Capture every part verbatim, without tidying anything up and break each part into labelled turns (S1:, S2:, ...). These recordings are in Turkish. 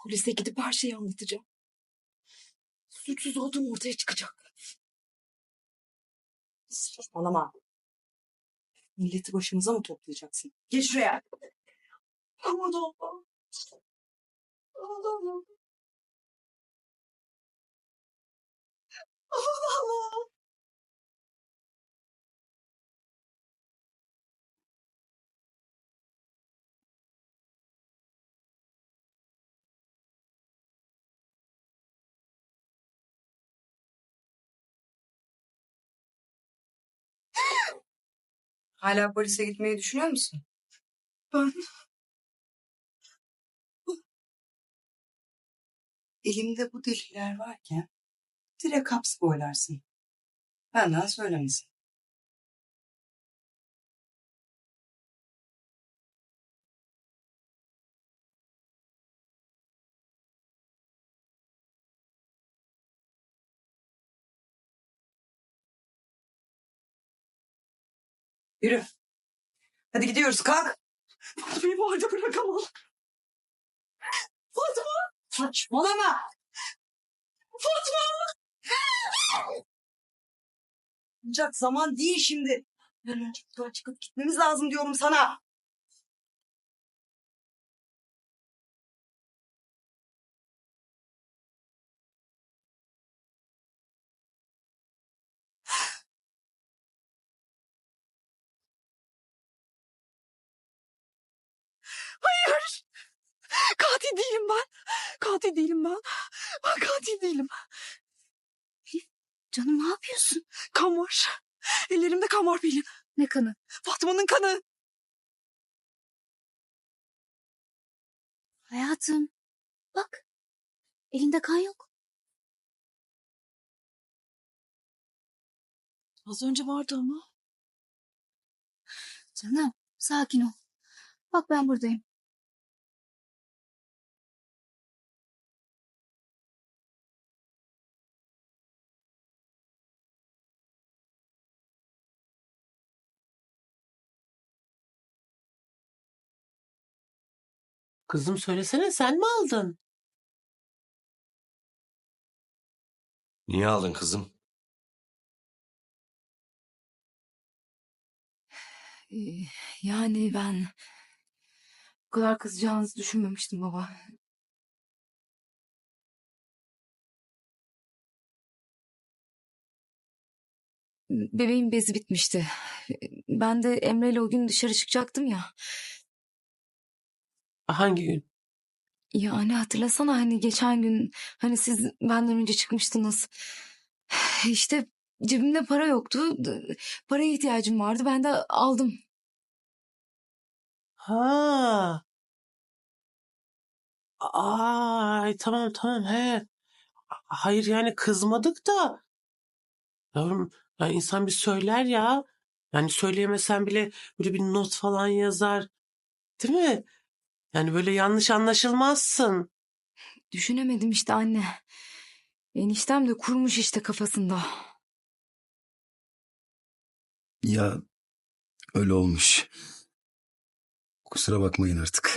S1: Polise gidip her şeyi anlatacağım. Suçsuz olduğum ortaya çıkacak.
S2: Saçmalama.
S1: Milleti başımıza mı toplayacaksın?
S2: Geç şuraya.
S1: Aman Allah'ım. Allah'ım. Aman Allah'ım.
S2: Hala polise gitmeyi düşünüyor musun?
S1: Ben
S2: Elimde bu deliller varken direkt hapse boylarsın. Benden söylemesin. Yürü. Hadi gidiyoruz, kalk.
S1: Fatma'yı bu halde bırakamam. Fatma!
S2: Saçmalama.
S1: Fatma!
S2: Ancak zaman değil şimdi. Bir an önce buradan çıkıp gitmemiz lazım diyorum sana.
S1: Hayır! Katil değilim ben. Katil değilim ben. Ben katil değilim.
S3: Canım ne yapıyorsun?
S1: Kan var. Ellerimde kan var benim.
S3: Ne kanı?
S1: Fatma'nın kanı.
S3: Hayatım. Bak. Elinde kan yok.
S1: Az önce vardı ama.
S3: Canım sakin ol. Bak ben buradayım.
S4: Kızım söylesene, sen mi aldın?
S5: Niye aldın kızım?
S1: Ee, yani ben bu kadar kızacağınızı düşünmemiştim baba. Bebeğin bezi bitmişti. Ben de Emre'yle o gün dışarı çıkacaktım ya.
S4: Hangi gün?
S1: Yani hatırlasana hani geçen gün hani siz benden önce çıkmıştınız. İşte cebimde para yoktu. Paraya ihtiyacım vardı. Ben de aldım.
S4: Ha. Ay tamam tamam he. Hayır yani kızmadık da. Yavrum ya insan bir söyler ya. Yani söyleyemesen bile böyle bir not falan yazar. Değil mi? Yani böyle yanlış anlaşılmazsın.
S1: Düşünemedim işte anne. Eniştem de kurmuş işte kafasında.
S6: Ya öyle olmuş. Kusura bakmayın artık.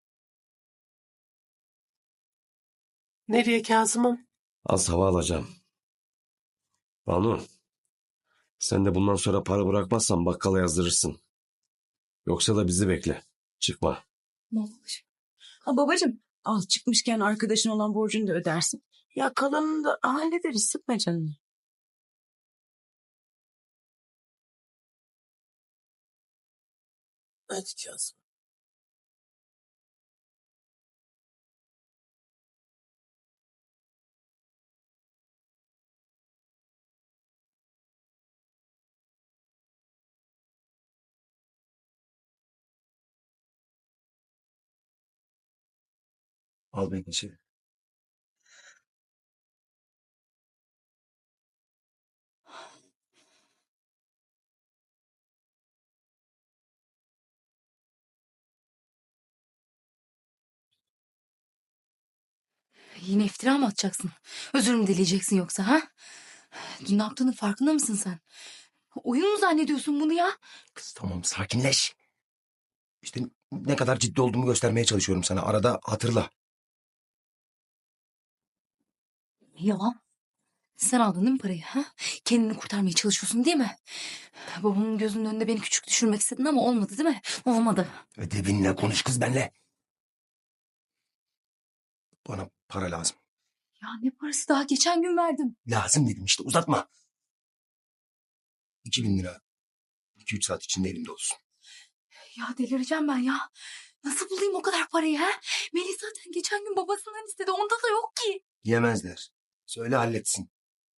S4: Nereye Kazım'ım?
S5: Az hava alacağım. Banu, sen de bundan sonra para bırakmazsan bakkala yazdırırsın. Yoksa da bizi bekle. Çıkma.
S1: Babacığım.
S2: Ha babacığım, al çıkmışken arkadaşın olan borcunu da ödersin. Ya kalanını da hallederiz, sıkma canını.
S4: Hadi Kazım.
S6: Al beni içeri.
S1: Yine iftira mı atacaksın? Özür mü dileyeceksin yoksa ha? Dün ne yaptığının farkında mısın sen? Oyun mu zannediyorsun bunu ya?
S6: Kız tamam sakinleş. İşte ne kadar ciddi olduğumu göstermeye çalışıyorum sana. Arada hatırla.
S1: Yalan. Sen aldın değil mi parayı? Ha? Kendini kurtarmaya çalışıyorsun değil mi? Babamın gözünün önünde beni küçük düşürmek istedin ama olmadı değil mi? Olmadı.
S6: Ödevinle konuş kız benimle. Bana para lazım.
S1: Ya ne parası, daha geçen gün verdim.
S6: Lazım dedim işte, uzatma. İki bin lira. İki üç saat içinde elimde olsun.
S1: Ya delireceğim ben ya. Nasıl bulayım o kadar parayı ha? Melih zaten geçen gün babasından istedi. Onda da yok ki.
S6: Yemezler. Söyle halletsin.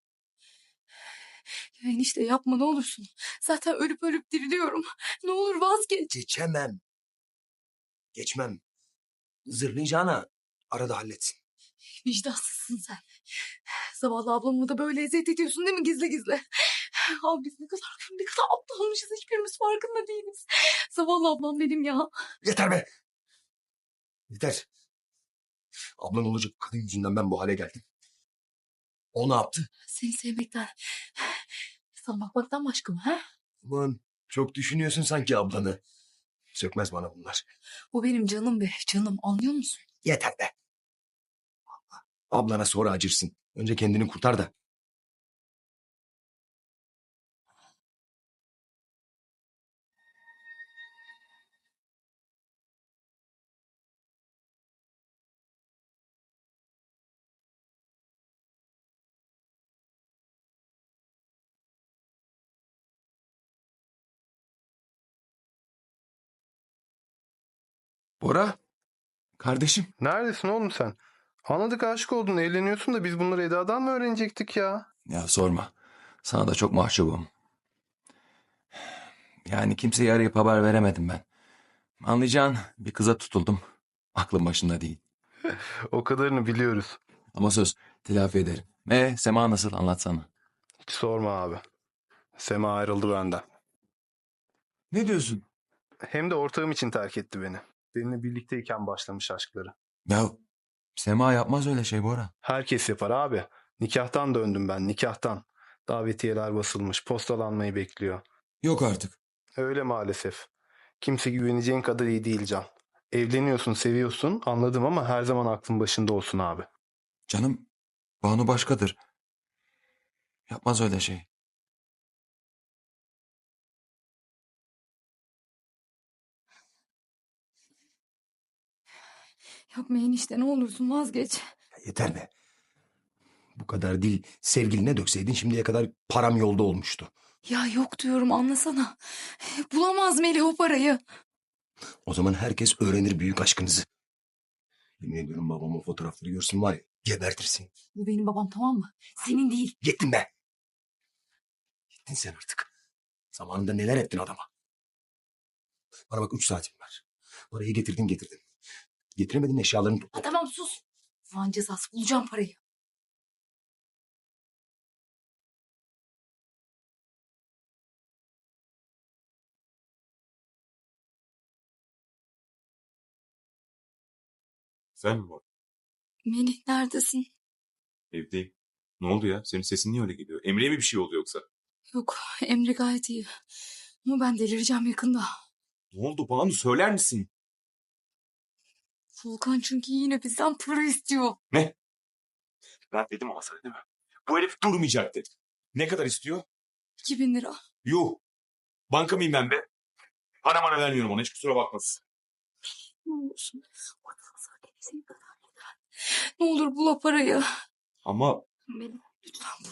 S1: Ya enişte yapma ne olursun. Zaten ölüp ölüp diriliyorum. Ne olur vazgeç.
S6: Geçemem. Geçmem. Zırlayacağına arada halletsin.
S1: Vicdansızsın sen. Zavallı ablamı da böyle eziyet ediyorsun değil mi gizli gizli? Abi biz ne kadar ne kadar aptalmışız, hiçbirimiz farkında değiliz. Zavallı ablam benim ya.
S6: Yeter be. Yeter. Ablan olacak kadın yüzünden ben bu hale geldim. O ne yaptı?
S1: Seni sevmekten, sana bakmaktan başka mı ha?
S6: Aman çok düşünüyorsun sanki ablanı. Sökmez bana bunlar.
S1: O benim canım be, canım, anlıyor musun?
S6: Yeter be. Ablana sonra acırsın. Önce kendini kurtar da. Bora. Kardeşim.
S7: Neredesin oğlum sen? Anladık aşık oldun, evleniyorsun da biz bunları Eda'dan mı öğrenecektik ya?
S8: Ya sorma. Sana da çok mahcubum. Yani kimseye arayıp haber veremedim ben. Anlayacağın bir kıza tutuldum. Aklım başında değil.
S7: O kadarını biliyoruz.
S8: Ama söz telafi ederim. E Sema nasıl, anlatsana.
S7: Hiç sorma abi. Sema ayrıldı benden.
S8: Ne diyorsun?
S7: Hem de ortağım için terk etti beni. Benimle birlikteyken başlamış aşkları.
S8: Ya Sema yapmaz öyle şey Bora.
S7: Herkes yapar abi. Nikahtan döndüm ben, nikahtan. Davetiyeler basılmış, postalanmayı bekliyor.
S8: Yok artık.
S7: Öyle maalesef. Kimse güveneceğin kadar iyi değil Can. Evleniyorsun, seviyorsun, anladım ama her zaman aklın başında olsun abi.
S8: Canım, Banu başkadır. Yapmaz öyle şey.
S1: Yapma enişte, ne olursun vazgeç.
S6: Ya yeter be. Bu kadar değil. Sevgiline dökseydin şimdiye kadar param yolda olmuştu.
S1: Ya yok diyorum, anlasana. Bulamaz Melih o parayı.
S6: O zaman herkes öğrenir büyük aşkınızı. Yemin ediyorum babam o fotoğrafları görsün var ya, gebertirsin.
S1: Bu benim babam, tamam mı? Senin değil.
S6: Yettin be. Yettin sen artık. Zamanında neler ettin adama. Bana bak, üç saatin var. Parayı getirdin getirdin. Getiremedin, eşyalarını topla.
S1: Ha, tamam sus. Van cezası, bulacağım parayı.
S9: Sen mi var?
S1: Melih neredesin?
S9: Evdeyim. Ne oldu ya? Senin sesin niye öyle geliyor? Emre'ye mi bir şey oldu yoksa?
S1: Yok, Emre gayet iyi. Ama ben delireceğim yakında.
S9: Ne oldu Banu, söyler misin?
S1: Volkan çünkü yine bizden para istiyor.
S9: Ne? Ben dedim ama sana değil mi? Bu herif durmayacak dedim. Ne kadar istiyor?
S1: İki bin lira.
S9: Yuh. Banka mıyım ben be? Para bana vermiyorum ona, hiç kusura bakmasın.
S1: Ne olursun. Ne olur bul o parayı.
S9: Ama
S1: Melih lütfen bul.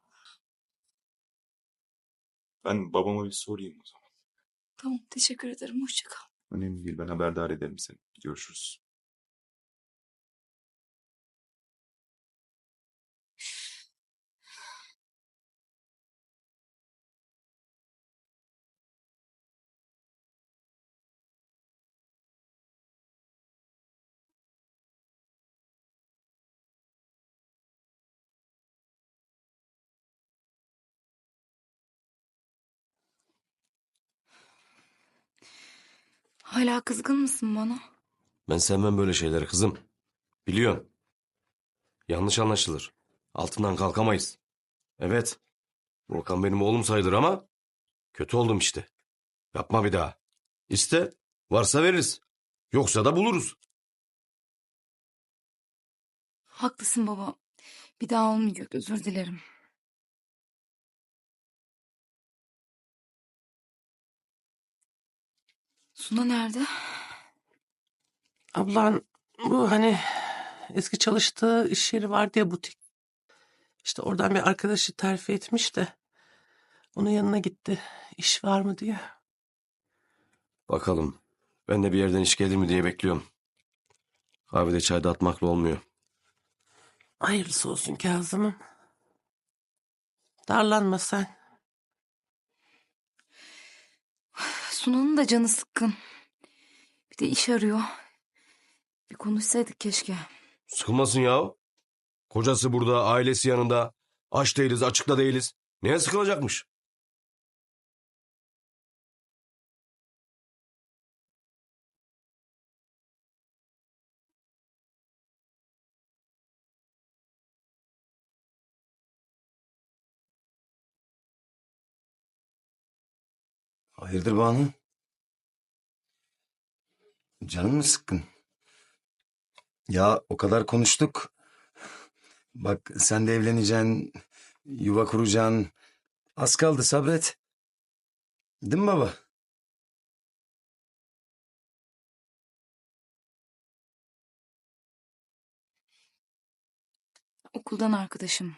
S9: ben babama bir sorayım o zaman.
S1: Tamam, teşekkür ederim. Hoşça kal.
S9: Önemli değil, ben haberdar ederim seni. Görüşürüz.
S1: Hala kızgın mısın bana?
S5: Ben sevmem böyle şeyleri kızım. Biliyorsun. Yanlış anlaşılır. Altından kalkamayız. Evet. Volkan benim oğlum sayılır ama kötü oldum işte. Yapma bir daha. İste, varsa veririz. Yoksa da buluruz.
S1: Haklısın baba. Bir daha olmayacak, özür dilerim. Suna nerede?
S4: Ablan bu hani eski çalıştığı iş yeri vardı ya, butik. İşte oradan bir arkadaşı terfi etmiş de onun yanına gitti. İş var mı diye.
S5: Bakalım. Ben de bir yerden iş gelir mi diye bekliyorum. Kahvede çayda atmakla olmuyor.
S4: Hayırlısı olsun Kazım'ım. Darlanma sen.
S1: Sunan'ın da canı sıkkın. Bir de iş arıyor. Bir konuşsaydık keşke.
S5: Sıkılmasın ya. Kocası burada, ailesi yanında. Aç değiliz, açıkta değiliz. Neye sıkılacakmış?
S6: Hayırdır Banu? Canın mı sıkkın? Ya o kadar konuştuk. Bak sen de evleneceksin, yuva kuracaksın. Az kaldı sabret. Değil mi baba?
S1: Okuldan arkadaşım.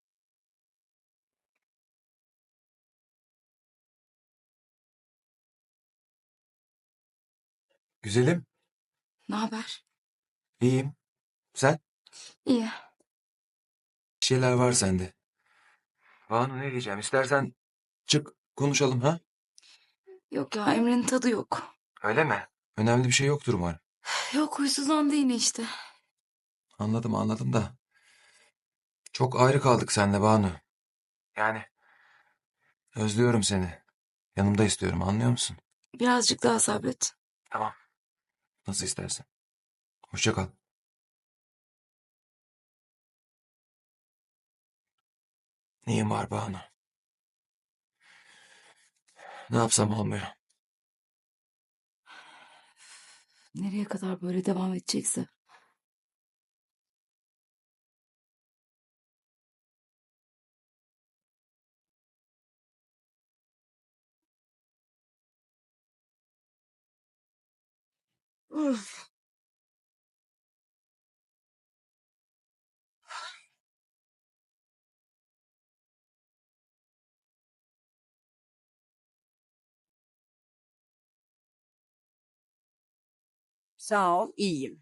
S8: Güzelim.
S1: Ne haber?
S8: İyiyim. Sen?
S1: İyi.
S8: Bir şeyler var sende. Banu ne diyeceğim? İstersen çık konuşalım ha?
S1: Yok ya, Emre'nin tadı yok.
S8: Öyle mi? Önemli bir şey yoktur umarım.
S1: Yok, huysuzlandı yine işte.
S8: Anladım anladım da. Çok ayrı kaldık seninle Banu. Yani özlüyorum seni. Yanımda istiyorum, anlıyor musun?
S1: Birazcık daha sabret.
S8: Tamam. Nasıl istersen. Hoşça kal. Neyim var Banu? Ne yapsam olmuyor.
S1: Nereye kadar böyle devam edecekse. Üf.
S2: Sağ ol, iyiyim.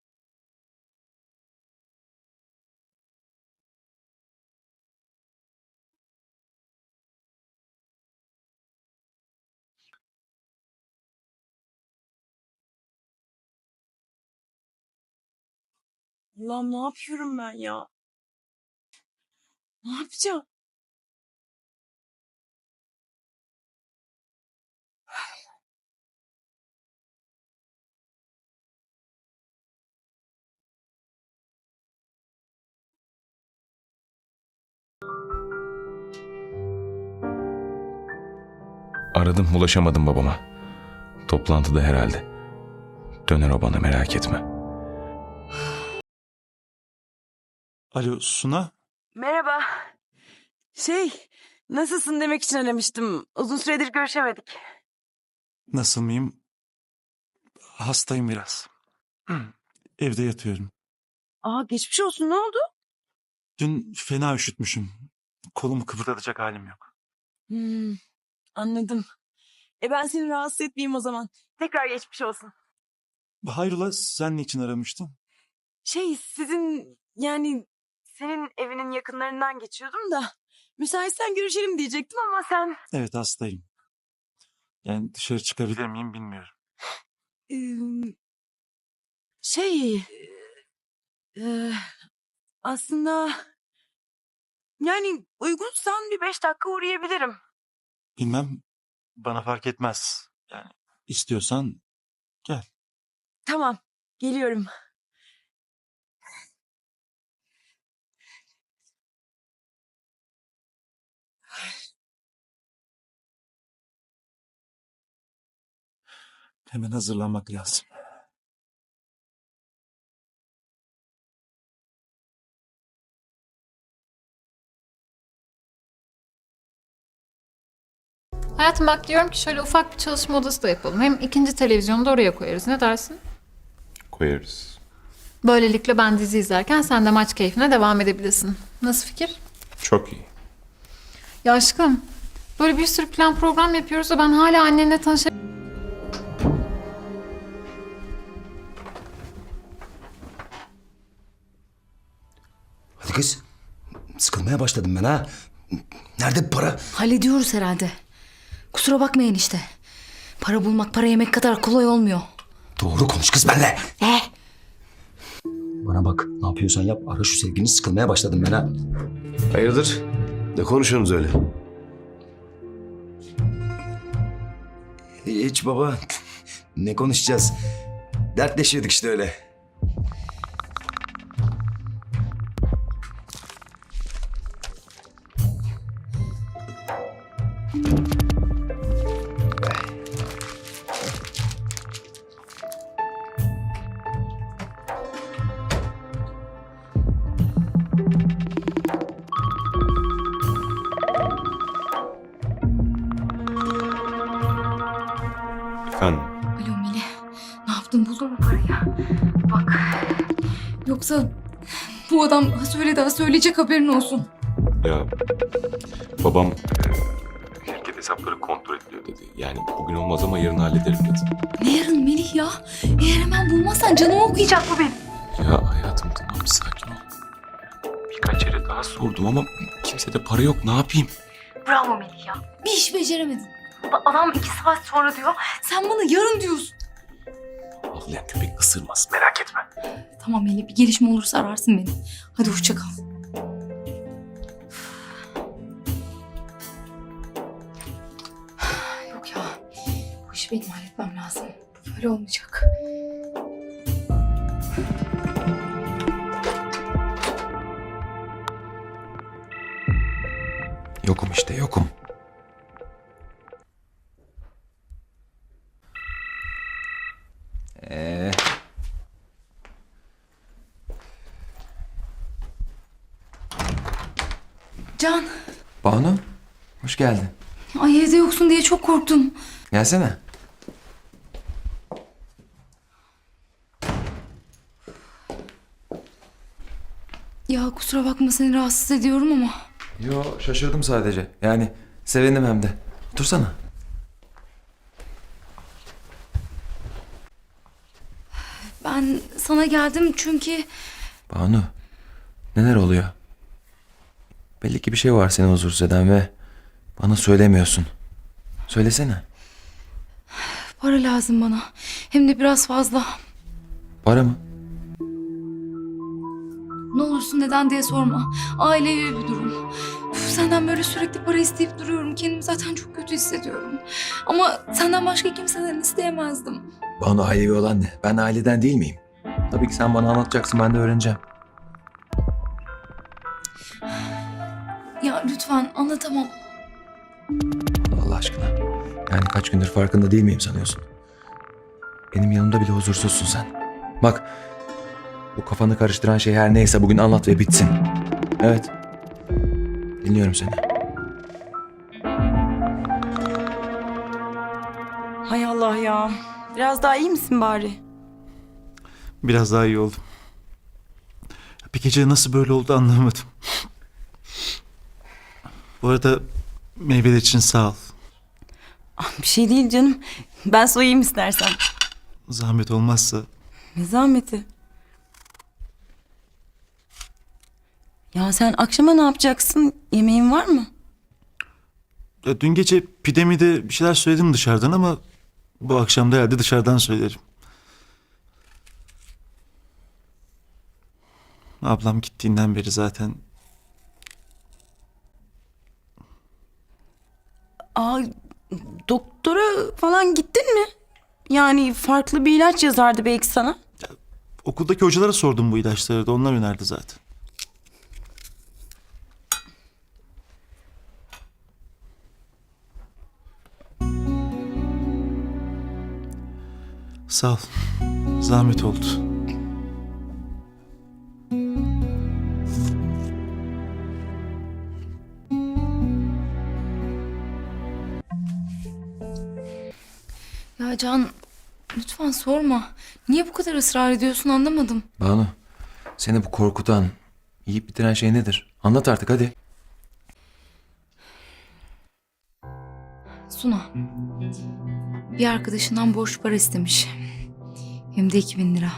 S2: Allah'ım ne yapıyorum ben ya? Ne yapacağım?
S9: Aradım, ulaşamadım babama. Toplantıda herhalde. Döner o bana, merak etme.
S10: Alo Suna,
S2: Merhaba. Şey, nasılsın demek için aramıştım. Uzun süredir görüşemedik.
S10: nasıl mıyım? Hastayım biraz. Evde yatıyorum.
S2: Aa, geçmiş olsun, ne oldu?
S10: Dün fena üşütmüşüm. Kolumu kıpırdatacak halim yok.
S2: Hmm, anladım. E ben seni rahatsız etmeyeyim o zaman. Tekrar geçmiş olsun.
S10: Hayrola, sen niçin aramıştın?
S2: Şey, sizin yani senin evinin yakınlarından geçiyordum da müsaitsen görüşelim diyecektim ama sen...
S10: Evet, hastayım. Yani dışarı çıkabilir miyim bilmiyorum.
S2: Ee, şey e, aslında yani uygunsan bir beş dakika uğrayabilirim.
S10: Bilmem, bana fark etmez. Yani istiyorsan gel.
S2: Tamam, geliyorum.
S10: Hemen hazırlanmak lazım.
S11: Hayatım bak diyorum ki şöyle ufak bir çalışma odası da yapalım. Hem ikinci televizyonu da oraya koyarız. Ne dersin?
S9: Koyarız.
S11: Böylelikle ben dizi izlerken sen de maç keyfine devam edebilirsin. Nasıl fikir?
S9: Çok iyi.
S11: Ya aşkım böyle bir sürü plan program yapıyoruz da ben hala annenle tanışa...
S6: Hadi kız. Sıkılmaya başladım ben ha. Nerede bu para?
S1: Hallediyoruz herhalde. Kusura bakmayın işte. Para bulmak, para yemek kadar kolay olmuyor.
S6: Doğru konuş kız benimle.
S1: Ne?
S6: Bana bak, ne yapıyorsan yap. Ara şu sevgini, sıkılmaya başladım ben ha.
S5: Hayırdır? Ne konuşuyorsunuz öyle?
S6: Hiç baba. Ne konuşacağız? Dertleşiyorduk işte öyle.
S9: Efendim?
S1: Alo Melih. Ne yaptın, buldun mu parayı? Bak. Yoksa bu adam söyledi ha, söyleyecek, haberin olsun.
S9: Ya babam e, şirket hesapları kontrol ediliyor dedi. Yani bugün olmaz ama yarın hallederim dedi.
S1: Ne yarın Melih ya? Eğer hemen bulmazsan canımı okuyacak bu benim.
S9: Ya hayatım tamam sakin ol. Birkaç yere daha sordum ama kimsede para yok, ne yapayım?
S1: Bravo Melih ya. Bir iş beceremedin. Adam iki saat sonra diyor. Sen bana yarın diyorsun.
S9: Avlayan köpek ısırmaz, merak etme.
S1: Tamam Melih, bir gelişme olursa ararsın beni. Hadi hoşça kal. Yok ya. Bu işi benim halletmem lazım. Böyle olmayacak.
S8: Yokum işte yokum. Ee,
S1: Can.
S8: Banu, hoş geldin.
S1: Ay evde yoksun diye çok korktum.
S8: Gelsene.
S1: Ya kusura bakma, seni rahatsız ediyorum ama.
S8: Yo, şaşırdım sadece. Yani sevindim hem de. Otursana.
S1: Ben sana geldim çünkü...
S8: Banu, neler oluyor? Belli ki bir şey var seni huzursuz eden ve bana söylemiyorsun. Söylesene.
S1: Para lazım bana. Hem de biraz fazla.
S8: Para mı?
S1: Ne olursun neden diye sorma. Ailevi bir durum. Üf, senden böyle sürekli para isteyip duruyorum. Kendimi zaten çok kötü hissediyorum. Ama senden başka kimseden isteyemezdim.
S8: Banu, ailevi olan ne? Ben aileden değil miyim? Tabii ki sen bana anlatacaksın, ben de öğreneceğim.
S1: Ya lütfen anlatamam.
S8: Allah aşkına. Yani kaç gündür farkında değil miyim sanıyorsun? Benim yanımda bile huzursuzsun sen. Bak, bu kafanı karıştıran şey her neyse bugün anlat ve bitsin. Evet. Dinliyorum seni.
S2: Hay Allah ya. Biraz daha iyi misin bari?
S10: Biraz daha iyi oldum. Bir gece nasıl böyle oldu anlamadım. Bu arada meyveler için sağ ol.
S2: Bir şey değil canım. Ben soyayım istersen.
S10: Zahmet olmazsa.
S2: Ne zahmeti? Ya sen akşama ne yapacaksın? Yemeğin var mı?
S10: Ya dün gece pidemide bir şeyler söyledim dışarıdan ama bu akşam da herhalde dışarıdan söylerim. Ablam gittiğinden beri zaten.
S2: Aa, doktora falan gittin mi? Yani farklı bir ilaç yazardı belki sana.
S10: Okuldaki hocalara sordum bu ilaçları da, onlar önerdi zaten. Sağ ol. Zahmet oldu.
S1: Ya Can, lütfen sorma. Niye bu kadar ısrar ediyorsun anlamadım.
S8: Banu, seni bu korkutan, yiyip bitiren şey nedir? Anlat artık hadi.
S1: Suna, bir arkadaşından borç para istemiş. Hem de iki bin lira.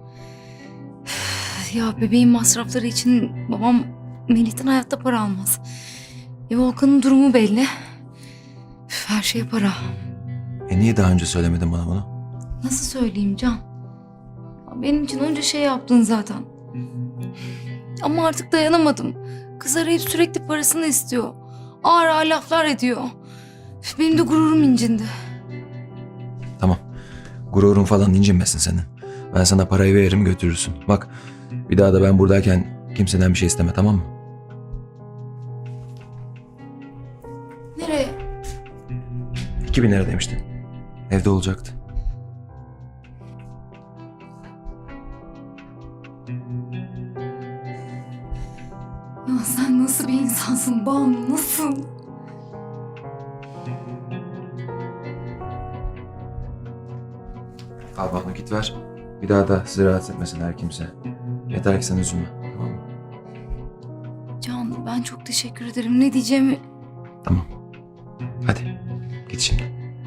S1: Ya bebeğin masrafları için babam Melih'ten hayatta para almaz. E Volkan'ın durumu belli. Üf, her şey para.
S8: E niye daha önce söylemedin bana bunu?
S1: Nasıl söyleyeyim Can? Ya benim için onca şey yaptın zaten. Ama artık dayanamadım. Kız arayıp sürekli parasını istiyor. Ağır ağır laflar ediyor. Üf, benim de gururum incindi.
S8: Tamam. Gururun falan incinmesin senin. Ben sana parayı veririm götürürsün. Bak bir daha da ben buradayken kimseden bir şey isteme, tamam mı?
S1: Nereye?
S8: iki bin lira demiştin. Evde olacaktı.
S1: Ya sen nasıl bir insansın Banu, nasıl?
S8: Al Banu git ver. Bir daha da sizi rahatsız etmesin her kimse. Yeter ki sen üzülme. Tamam mı?
S1: Can, ben çok teşekkür ederim. Ne diyeceğimi...
S8: Tamam. Hadi git şimdi.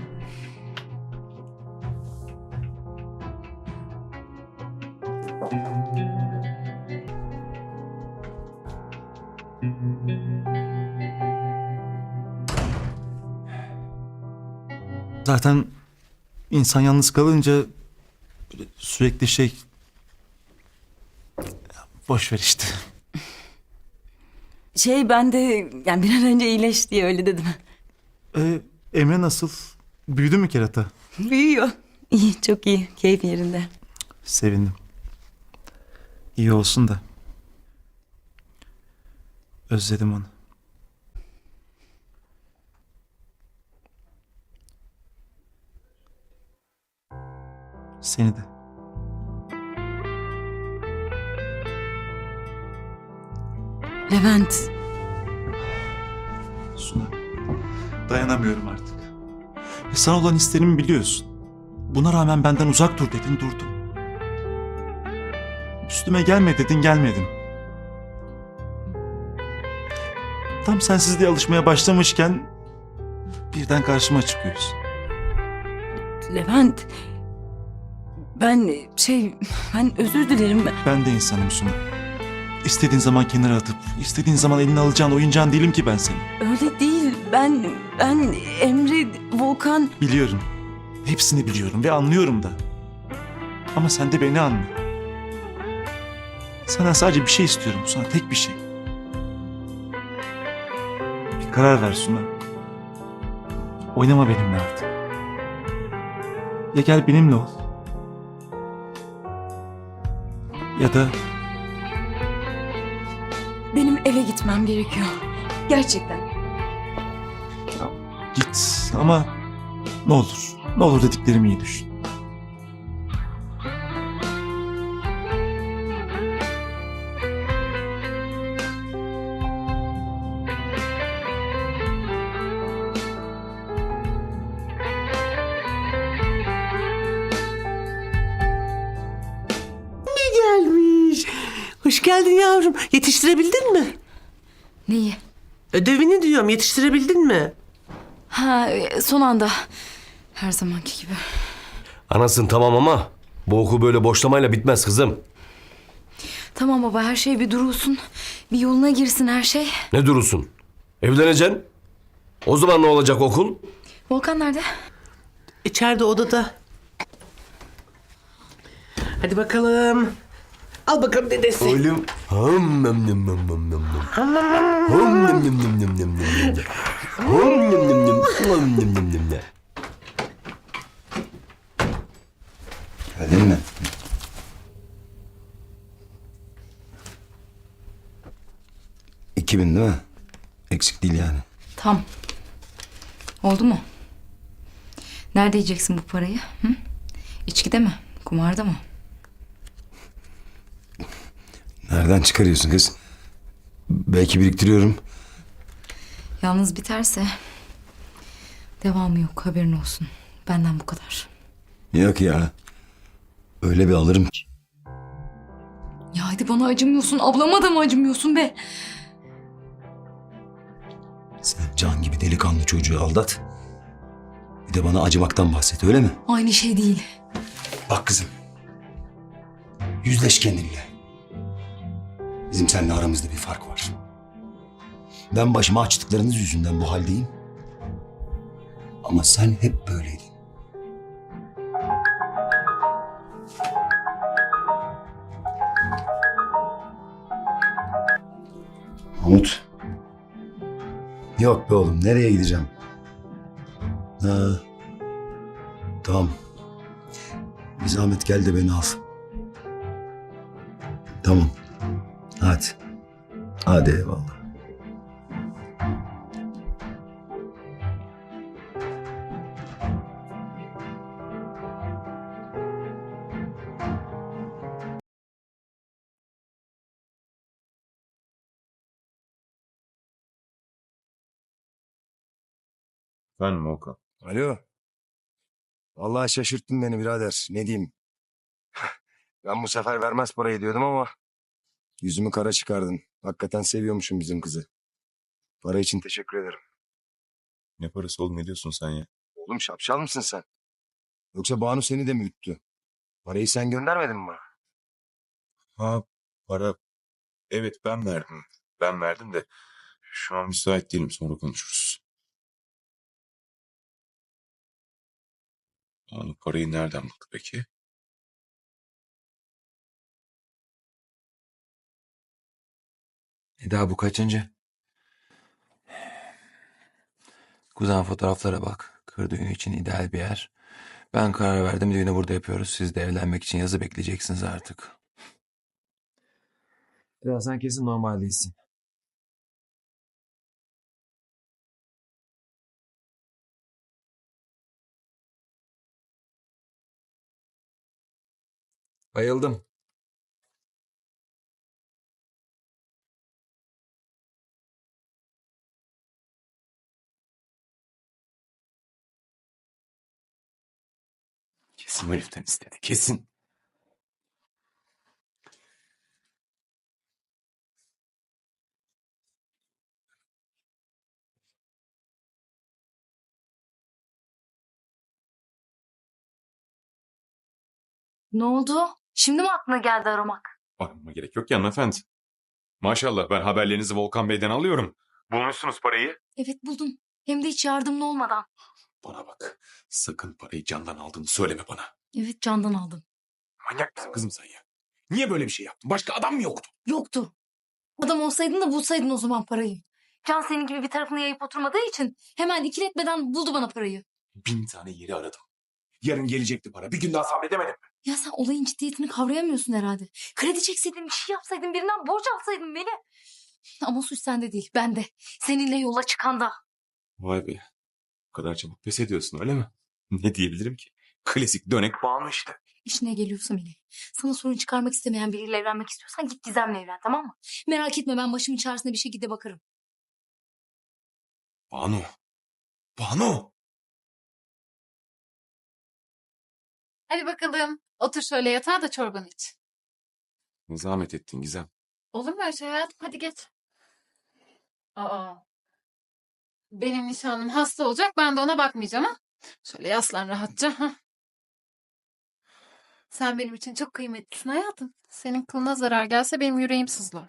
S10: Zaten insan yalnız kalınca böyle sürekli şey... Boş ver işte.
S2: Şey ben de yani bir an önce iyileş diye öyle dedim.
S10: Ee, Emre nasıl? Büyüdü mü kerata?
S2: Büyüyor. İyi, çok iyi. Keyif yerinde.
S10: Sevindim. İyi olsun da. Özledim onu. Seni de.
S2: Levent.
S10: Suna. Dayanamıyorum artık. E sana olan hislerimi biliyorsun. Buna rağmen benden uzak dur dedin, durdum. Üstüme gelme dedin, gelmedim. Tam sensizliğe alışmaya başlamışken birden karşıma çıkıyorsun.
S2: Levent. Ben şey ben özür dilerim.
S10: Ben de insanım Suna. İstediğin zaman kenara atıp, istediğin zaman eline alacağın oyuncağın değilim ki ben senin.
S2: Öyle değil. Ben ben Emre, Volkan.
S10: Biliyorum. Hepsini biliyorum ve anlıyorum da. Ama sen de beni anla. Senden sadece bir şey istiyorum Suna, tek bir şey. Bir karar ver Suna. Oynama benimle artık. Ya gel benimle ol. Ya da
S2: Benim eve gitmem gerekiyor. Gerçekten.
S10: git ama ne olur, ne olur dediklerimi iyi düşün.
S12: Gelmiş. Hoş geldin yavrum. Yetiştirebildin mi?
S1: Neyi?
S12: Ödevini diyorum. Yetiştirebildin mi?
S1: Ha, e, son anda. Her zamanki gibi.
S5: Anasın tamam ama bu okul böyle boşlamayla bitmez kızım.
S1: Tamam baba, her şey bir durulsun. Bir yoluna girsin her şey.
S5: Ne durursun? Evleneceksin. O zaman ne olacak okul?
S1: Volkan nerede?
S12: İçeride odada. Hadi bakalım. Al bakalım dedesi.
S5: Oğlum. Hım nem nem nem nem nem. Hım nem nem nem nem nem nem. Hım nem nem nem. Hım nem nem nem nem.
S6: Geldin mi? İki bin değil mi? Eksik değil yani.
S1: Tam. Oldu mu? Nerede yiyeceksin bu parayı? Hı? İçkide mi? Kumarda mı?
S6: Nereden çıkarıyorsun kız? Belki biriktiriyorum.
S1: Yalnız biterse devamı yok, haberin olsun. Benden bu kadar.
S6: Yok ya. Öyle bir alırım ki.
S1: Ya hadi bana acımıyorsun. Ablama da mı acımıyorsun be?
S6: Sen can gibi delikanlı çocuğu aldat. Bir de bana acımaktan bahset, öyle mi?
S1: Aynı şey değil.
S6: Bak kızım. Yüzleş kendinle. Bizim seninle aramızda bir fark var. Ben başıma açtıklarınız yüzünden bu haldeyim. Ama sen hep böyleydin. Mahmut. Yok be oğlum, nereye gideceğim? Ha. Tamam. Bir zahmet gel de beni al. Tamam. Hadi. Hadi eyvallah.
S9: Efendim Okan.
S6: Alo. Vallahi şaşırttın beni birader. Ne diyeyim? Ben bu sefer vermez parayı diyordum ama yüzümü kara çıkardın. Hakikaten seviyormuşum bizim kızı. Para için teşekkür ederim.
S9: Ne parası oğlum, ne diyorsun sen ya?
S6: Oğlum şapşal mısın sen? Yoksa Banu seni de mi üttü? Parayı sen göndermedin mi bana?
S9: Ha, para. Evet, ben verdim. Ben verdim de şu an müsait değilim, sonra konuşuruz. Onu parayı nereden buldu peki?
S8: Eda bu kaçıncı? Kuzen fotoğraflara bak. Kır düğünü için ideal bir yer. Ben karar verdim, düğünü burada yapıyoruz. Siz de evlenmek için yazı bekleyeceksiniz artık. Eda sen kesin normal değilsin. Bayıldım.
S9: Kesin o heriften istedi, kesin.
S1: Ne oldu? Şimdi mi aklına geldi aramak?
S9: Aramama gerek yok ki hanımefendi. Maşallah, ben haberlerinizi Volkan Bey'den alıyorum. Bulmuşsunuz parayı.
S1: Evet buldum. Hem de hiç yardımlı olmadan.
S9: Bana bak, sakın parayı Can'dan aldığını söyleme bana.
S1: Evet Can'dan aldım.
S9: Manyak mısın kızım sen ya? Niye böyle bir şey yaptın? Başka adam mı yoktu?
S1: Yoktu. Adam olsaydın da bulsaydın o zaman parayı. Can senin gibi bir tarafını yayıp oturmadığı için hemen ikiletmeden buldu bana parayı.
S9: Bin tane yeri aradım. Yarın gelecekti para. Bir gün daha sabredemedim.
S1: Ya sen olayın ciddiyetini kavrayamıyorsun herhalde. Kredi çekseydin, bir şey yapsaydın, birinden borç alsaydın beni. Ama suç sende değil, bende. Seninle yola çıkanda.
S9: Vay be. Bu kadar çabuk pes ediyorsun öyle mi? Ne diyebilirim ki? Klasik dönek bağımlı işte.
S1: İşine geliyorsa Melih. Sana sorun çıkarmak istemeyen biriyle evlenmek istiyorsan git Gizem'le evlen, tamam mı? Merak etme, ben başımın çaresine bir şekilde bakarım.
S9: Banu. Banu.
S11: Hadi bakalım. Otur şöyle yatağa da çorbanı iç.
S9: Ne zahmet ettin Gizem.
S11: Olur mu öyle şey hayatım? Hadi geç. Aa. Benim nişanlım hasta olacak. Ben de ona bakmayacağım ha. Şöyle yaslan rahatça. Ha. Sen benim için çok kıymetlisin hayatım. Senin kılına zarar gelse benim yüreğim sızlar.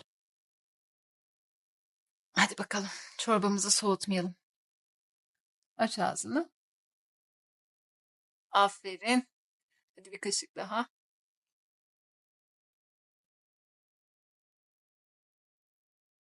S11: Hadi bakalım. Çorbamızı soğutmayalım. Aç ağzını. Aferin. Hadi bir kaşık daha.